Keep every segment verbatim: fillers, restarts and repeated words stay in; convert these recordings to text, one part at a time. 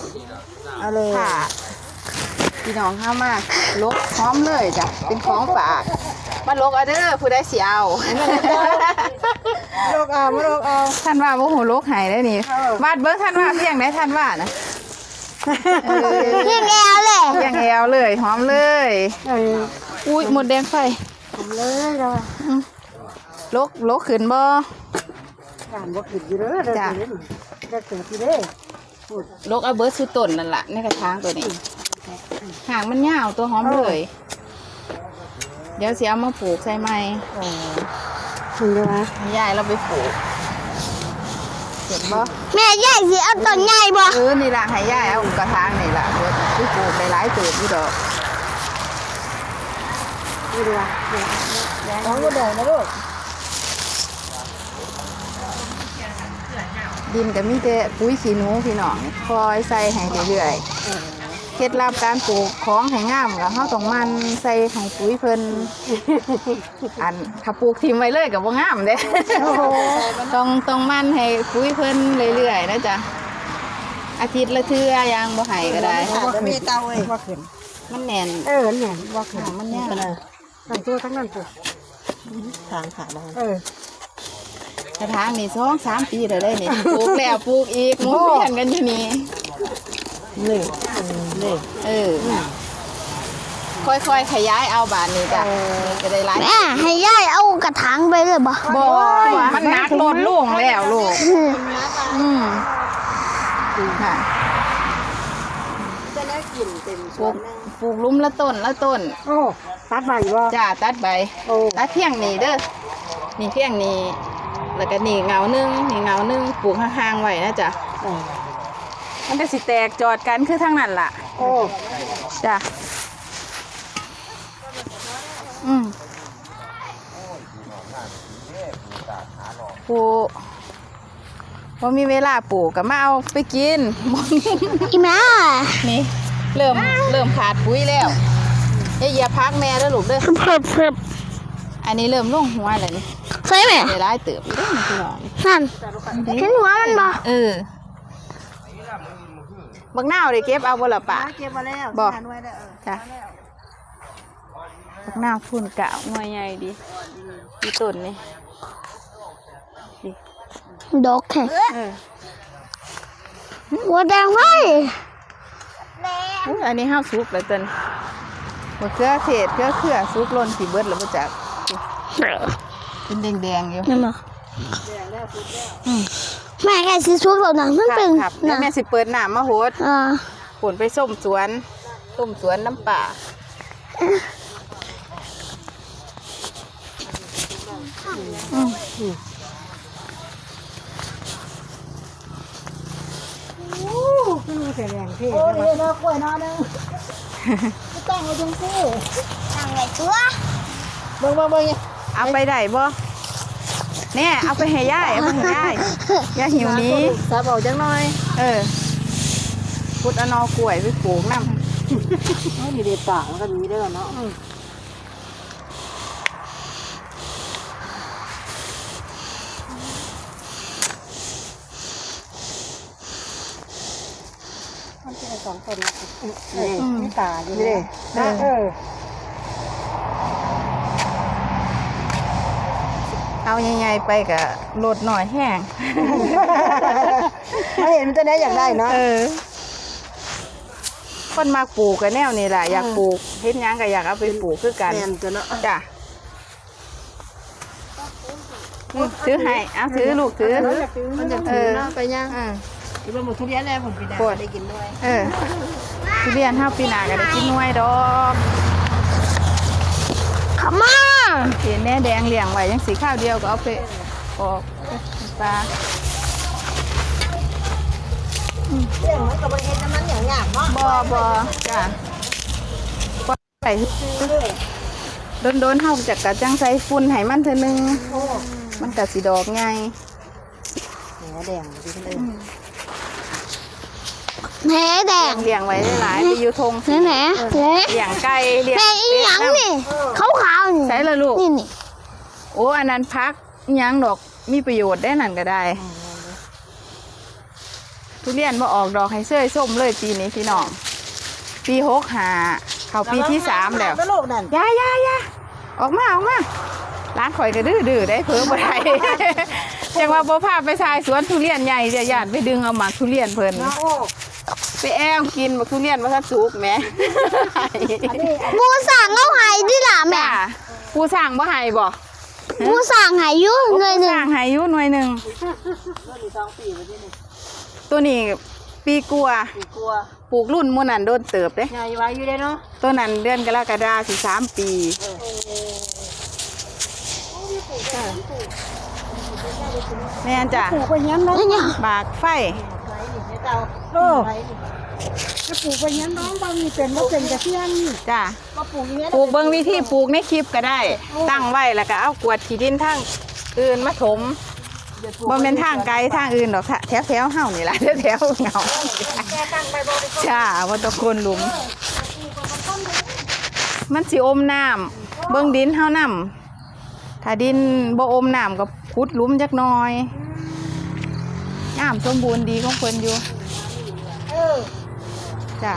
เอาเลยค่ะพี่น้องเข้ามาลกพร้อมเลยจ้ะเป็นของฝากมาลกเอาเด้อผู้ได้สิเอาโลกเอามาโลกเอาท่านว่าโมโหลกหายได้นี่วาดเบิ้งท่านว่าเพียงได้ท่านว่านะเพียงแอวเลยเพียงแอวเลยหอมเลยอุ้ยหมดแดงไฟผมเลยเราลกลกขึ้นบ่การบ่ขึ้นอยู่เด้อได้เกิดได้เกิดอยู่เด้อลกเอาเบิร์ดสุดต้นนั่นแหละในกระถางตัวนี้หางมันยาวตัวหอมเลย เดี๋ยวเสียมาปลูกใช่ไหมอ๋อถึงได้ไหมยายเราไปปลูกเห็นบ่แม่ใหญ่สิเอาต้นใหญ่บ่เออนี่ละให้ยายเอากระถางนี่ละเบิร์ดไปปลูกไปหลายเติบอยู่ดอกนี่ดีกว่าน้องก็ได้นะลูกดินก็มีแต่ปุ๋ยขี้หนูพี่น้องคอยใส่ให้เรื่อยๆเคล็ดลับการปลูกของให้งามก็เฮาต้องมันใส่ให้ปุ๋ยเพิ่นอันถ้าปลูกทิ้งไว้เลยก็บ่งามเด้ ต้องต้องมันให้ปุ๋ยเพิ่นเรื่อยๆนะจ๊ะอาทิตย์ละเทื่อยังบ่ให้ก็ได้ว่าขึ้นเตาเอ้ยว่าขึ้นมันแน่นเออเนี่ยว่าขึ้นมันแน่นทั้งตัวทั้งนั้นตัวทางขาบ้างเออกระถางนี่สองสามปีแล้วได้นี่ปลูกแล้วปลูกอีกหมุนเวียนกันอยู่นี่นี่นี่เออค่อยๆขยายเอาบานนี้จ้ะจะได้หลายแม่ให้ใหญ่เอากระถางไปเลยบ่บ่มันนักลดลุ่งแล้วลูกอืมค่ะจะได้กินเต็มปลูกปลูกลุ่มละต้นละต้นโอ้ตัดใบว่าจ้าตัดใบโอ้ตัดเพียงนี้เด้อนี่เพียงนี้แล้วก็นี่เงาหนึงนี่เงาหนึงปลูกห่างๆไว้นะจ๊ะมันจะสิแตกจอดกันคือทางนั้นล่ะโอ้จ้ะอืมปลูกพอมีเวลาปลูกก็มาเอาไปกินอีแม่นี่เริ่มเริ่มขาดปุ๋ยแล้วอย่าเหยียบพักแม่แล้วลูกเด้อเพิ่มเพิ่มอันนี้เริ่มลงหัวแล้วนี่ใช่ไหมเดี๋ยวได้เติบอีกเด้อนี่พี่น้องนั่นเห็นหัวมันบ่เออบักนาวได้เก็บเอาบ่ล่ะปะเก็บมาแล้วบ่ทานไว้ได้เออจ้ะบักนาวพุ่นกะหน่วยใหญ่ดีมีต้นนี่ดิดอกแค่เออหัวแดงไฟอุ๊ยอันนี้ห้าวซุปแล้วเต้นมะเขือเทศเขือเขือซุปล้นสีเบิดแล้วมาจากเป็นแดงๆอยู่นั่นบ่แม่แค่สิซุกแล้วนะมันเป็นครับแล้วนะแม่สิเปิดน้ำมาโหดอ่าผลไปส้มสวนส้มสวนน้ำป่าอืมขึ้นมาแสดงเท่โอ้ยดอกกล้วยนอนึงตั้งไว้ตรงซี่ตั้งไว้ตัวเบิ่งเบิ่งเบิ่งเอาไปได้บ่เนี่ยเอาไปให้ย่ายเอาไปให้ย่ายย่าหิวนี้สาบเอาจังหน่อยเออพุดเอานอกล้วยไปปลูกน้ำโอ้ดีเด็ดปากแล้วก็มีเด้อเนาะมันเป็นสองคนนี่นี่ตาอยู่นี่นะเออเอาใหญ่ๆไปกับโหลดหน่อยแห้งถ้าเห็นมันจะได้อยากได้เนาะเออ คนมาปลูกกันแนวนี่แหละอยากปลูกเฮ็ดหยังก็อยากเอาไปปลูกคือกันแม่นจะเนาะจ้ะนี่ถือให้เอาถือลูกถือมันจะถือเนาะไปย่างเออที่มันหมดทุเรียนแล้วผลปีดาได้กินด้วยเออทุเรียนห้าปีหนาก็ได้กินหน่วยดอกขมาเห็นแน่แดงเลี้ยงไว้ยังสีข้าวเดียวก็เอาไปออกปลาเรื่องมันกับมันเห็นน้ำมันอย่างหยาบเนาะบ่บ่จ้ะบ่ใส่โดนโดนๆเฮาจากกะจังใส่ฝุ่นให้มันเท่อนึงมันก็สิดอกไงแหนแดงดีเลยแหนแดงเลี้ยงไว้หลายๆไปอยู่ทงแหนแหนแหนเลี้ยงไก่เลี้ยงแม่อีหยังนี่ขาวขาวๆนี่ใช่ละลูกนี่นี่โอ้อันนั้นพักอิหยังดอกมีประโยชน์ได้นั่นก็ได้ทุทุเรียนบ่ออกดอกให้เสื้อส้มเลยปีนี้พี่น้องปีหกหาเข้าปีที่สามแล้วโลกนั่นยายายาออกมาออกมาร้านข่อยก็ดื้อดื้อได้เพิ่มบ่ได้จังว่าบ่พาไปชายสวนทุเรียนใหญ่จะญาติไปดึงเอาหมากทุเรียนเพิ่นไปแอมกินหมากทุเรียนมาทันสุกแหมปูสั่งเอาใหายดิล่ะแม่จ้าผู้สั่งบ่ให้บ่ปูสั่งใหายอยู่หน่อยหนึ่งสั่งให้อยู่หน่วยหนึงตัวนี้ปีกลัวากลัวปลูกรุ่นมื้อนั้นโดนเติบเด้ใหญ่ไว้อยู่ได้เนาะตัวนั้นเดือนกรกฎาคมสิสามปีแม่นจ้ะปลูกไปยันน้องบากไฟเออจะปลูกไปยันน้องบางมีเป็นว่าเป็นกระเทียมนี่จ้ะก็ปลูกอย่างนี้ปลูกเบิ่งวิธีปลูกในคลิปก็ได้ ตั้งไว้แล้วก็เอากวาดขี้ดินทางอื่นมาถมบ่แม่นทางไกลทางอื่นดอกแถวแถวๆเฮานี่ล่ะแถวๆเหงาจ้าบ่ต้องคนหลุม มันสิอมน้ำเบิ่งดินเฮานำถ้าดินบ่อมน้ำก็ขุดหลุมจักหน่อยงามสมบูรณ์ดีของเพิ่นอยู่จ้ะ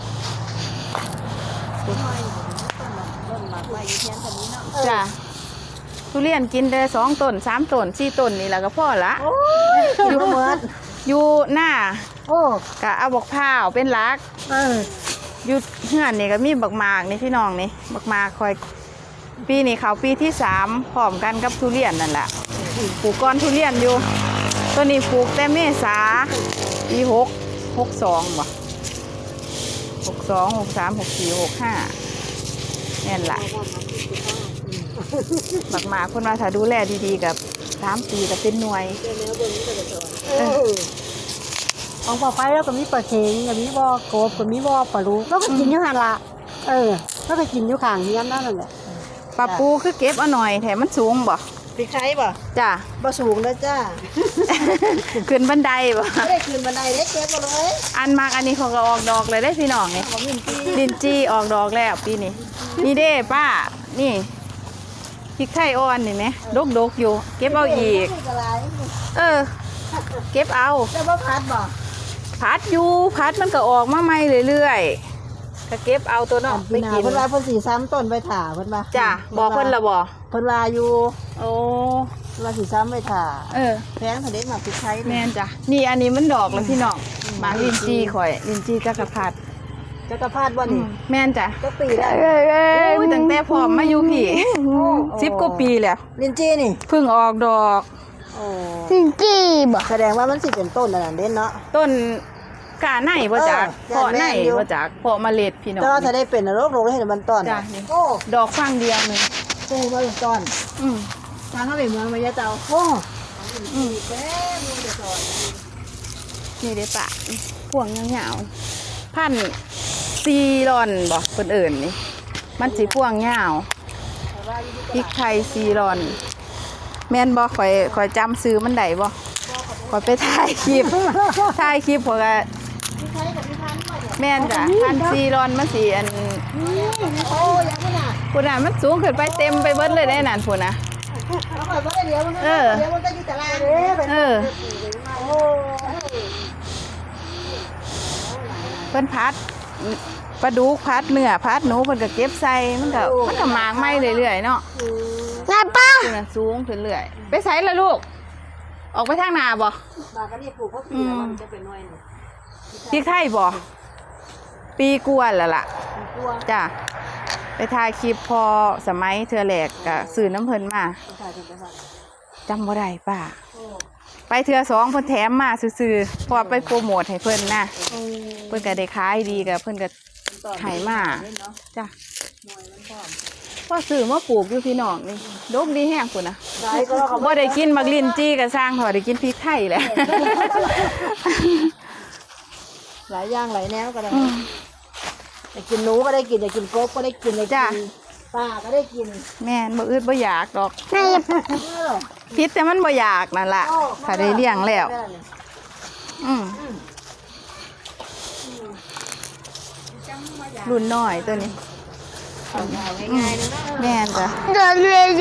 จ้ะทุเรียนกินได้สองต้นสามต้นสี่ต้นนี่แหละก็พอละอยู่เหมือนอยู่หน้าโอ้ก็เอาบักพร้าวเป็นหลักเอออยู่เฮือนนี่ก็มีบักหมากนี่พี่น้องนี่บักหมากคอยปีนี้เขาปีที่สามพร้อมกันกับทุเรียนนั่นแหละปลูกก้อนทุเรียนอยู่ตัวนี้ปลูกแต่เมษาปีหกหกสองบ่หกสองหกสามหกสี่หกห้านี่นแหละบักหมากคนมาถ้าดูแลดีๆกับสามปีก็เป็นหน่วยเออของปลาไฟแล้วก็มีปลาเค็งก็มีบ่อกบก็มีบ่อปลาลูกแล้วก็กินอยู่หันละเออแล้วก็กินอยู่ข้างเฮียนนั่นแหละปลาปูคือเก็บเอาหน่อยแถมมันสูงบ่พริกไทยป่ะจ้ะบ่สูงนะจ้าขึ้นบันไดบ่ไม่ได้คืนบันไดได้เก็บมาเลยอันมากอันนี้เขาก็ออกดอกเลยได้พี่น้องนี่ลินจี้ออกดอกแล้วปีนี้นี่เด้ป้านี่พริกไทยอ่อนนี่ไหมดกดกๆอยู่ เก็บเอาอีก เออ เก็บเอาแล้วบ่พัดบ่พัดอยู่พัดมันก็ออกมาใหม่เรื่อยๆก็เก็บเอาตัวเนาะไปไปกิกินนเพิ่นว่าเพิ่นสิซ้ำต้นไปถ่าเพิ่นว่าจ้ะบอกเพิ่นละบ่เพิ่นว่าอยู่โอ้เพิ่นว่าสิซ้ำไปถ่าเออแพงเพิ่นเด็ดมาพริกไทยแม่นจ้ะนี่อันนี้มันดอกแล้วพี่น้องหมากลินจี้ข่อยลินจี้จักรพรรดิจักรพรรดิบ่อืนี่มแม่นจ้ะจักปีแล้วอุ้ยตั้งแต่พร้อมมาอยู่พี่สิบกว่าปีแล้วลินจี้นี่เพิ่งออกดอกโอ้จริงจีบ่แสดงว่ามันสิเป็นต้นนั่นนะเด่นเนาะต้นกาไหนบ่จักเออเพาะไหนแม่นอยู่บ่จักเพาะเมล็ดพี่น้องแต่ว่าถ้าได้เป็นโรคโรคได้เห็นมันต้นจ้ะอะนี่โอ้ดอกฟังเดียวหนึงปลูกมาเป็นต้นอืมทางเข้าไปเมืองมายะเจ้าโอ้อืมนี่เด้ปะพวงยาวๆพันซีรอนบ่เพิ่นเอิ้นนี่มันสิพวงยาวพริกไทยซีรอน แม่นบ่ข่อยข่อยจำซื้อมันได้บ่ข่อยไปถ่ายคลิป ถ่ายคลิปข่อยก็แม่นจ้ะพันซีรอนมันสิอันโอ้ยังขนาดพุ่นน่ะมันสูงขึ้นไปเต็มไปเบิดเลยได้นั่นพุ่นน่ะเอาไปว่าได้เดี๋ยวมันเออเดี๋ยวมันจะอยู่แต่ละเด้เออโอ้เพิ่นพัดปลาดุกพัดเนื้อพัดหนูเพิ่นก็เก็บใส่มันก็มันก็หมากไหม้เรื่อยๆเนาะนายป้าพุ่นน่ะสูงขึ้นเรื่อยไปไสล่ะลูก ออกไปทางหน้าบ่บากันนี่ปลูกเขาปีแล้วมันจะเป็นน้อยหนึ่งพริกไทยบ่ปีกว่าแล้วล่ะกลัวจ้ะไปถ่ายคลิปพอสมัยเทื่อแรกก็ซื้อน้ำเพิ่นมาใช่เป็นไปได้จำบ่ได้ป้าไปเทื่อสองเพิ่นแถมมาซื่อๆเพอไปโปรโมทให้เพิ่นนะเพิ่นก็ได้ขายดีก็เพิ่นก็ให้มาจ้ะพอซื้อมาปลูกอยู่พี่น้องนี่ดกดีแห้งพุ่นน่ะได้ก็เขาบ่ได้กินมักลิ้นจี้ก็สร้างเถอะได้กินพริกไทยแหละหลายอย่างหลายแนวก็ได้อยากกินหนูก็ได้กินอยากกินกบก็ได้กินอยากจ้ะกินปลาก็ได้กินแม่นบ่อึดบ่อยากดอกนายเออพิษแต่มันบ่อยากนั่นล่ะถ้าได้เลี้ยงแล้ว อืมรุ่นน้อยตัวนี้ง่ายๆนะแม่นจ้ะเดินเรื่อย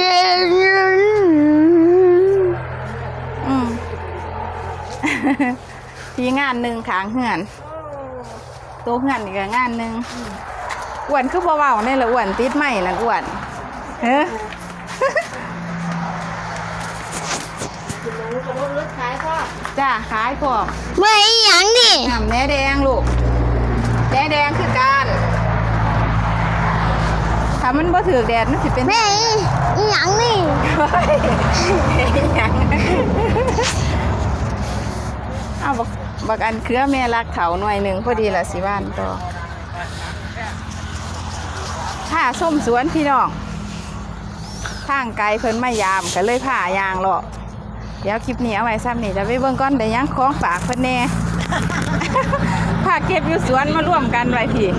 อืม พพี่งานหนึ่งขางเหือนโตเหือนอีกงานหนึ่งอ้วนคือเบาๆนี่แหละอ้วนติดไหมนั่นอ้วนเฮ้จ้าขายพวกเมื่ออีหยังนี่น้ำแหนแดงลูกแหนแดงคือการถ้ามันบ่ถือแดดมันสิเป็นแม่อีหยังนี่เอาบักบักอันเครือแม่รักเขาหน่วยหนึ่งพอดีละสิบ้านต่อผ้าส้มสวนพี่น้องทางไกลเพิ่นมายามก็เลยผ้ายางหรอกเดี๋ยวคลิปนี้เอาไว้ซ้ำนี่จะไปเบิ่งก้อนได้ยังของฝากเพิ่นแน่ ผ้าเก็บอยู่สวนมาร่วมกันไว้พี่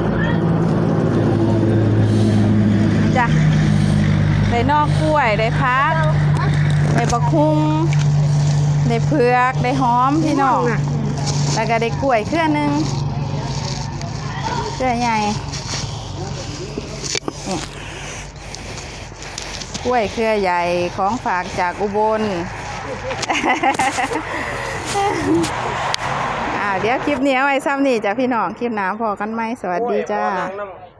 จ้ะได้นอกกล้วยได้พักได้บักคุ้งได้เผือกได้หอมพี่น้องแล้วก็ได้กล้วยเครือหนึงเครือใหญ่นี่กล้วยเครือใหญ่ของฝากจากอุบล อ่าเดี๋ยวคลิปนี้เอาไว้ซ้ำนี่จ้ะพี่น้องคลิปหน้าพอกันไหมสวัสดีจ้า